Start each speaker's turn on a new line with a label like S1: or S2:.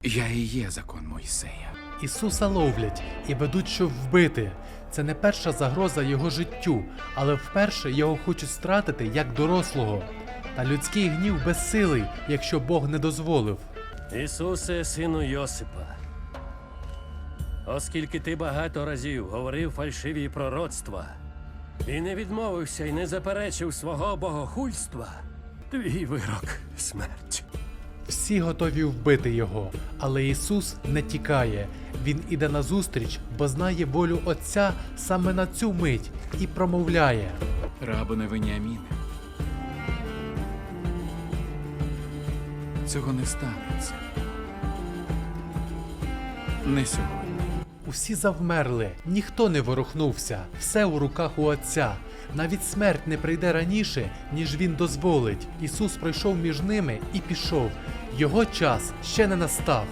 S1: Я і є закон Мойсея.
S2: Ісуса ловлять і ведуть, щоб вбити. Це не перша загроза його життю, але вперше його хочуть стратити як дорослого. Та людський гнів безсилий, якщо Бог не дозволив.
S3: Ісусе, сину Йосипа, оскільки ти багато разів говорив фальшиві пророцтва і не відмовився і не заперечив свого богохульства, твій вирок – смерть.
S2: Всі готові вбити його, але Ісус не тікає. Він іде назустріч, бо знає волю Отця саме на цю мить і промовляє.
S1: Рабоне Веніаміне, цього не станеться. Не сьогодні.
S2: Усі завмерли, ніхто не ворухнувся, все у руках у Отця. Навіть смерть не прийде раніше, ніж Він дозволить. Ісус пройшов між ними і пішов. Його час ще не настав.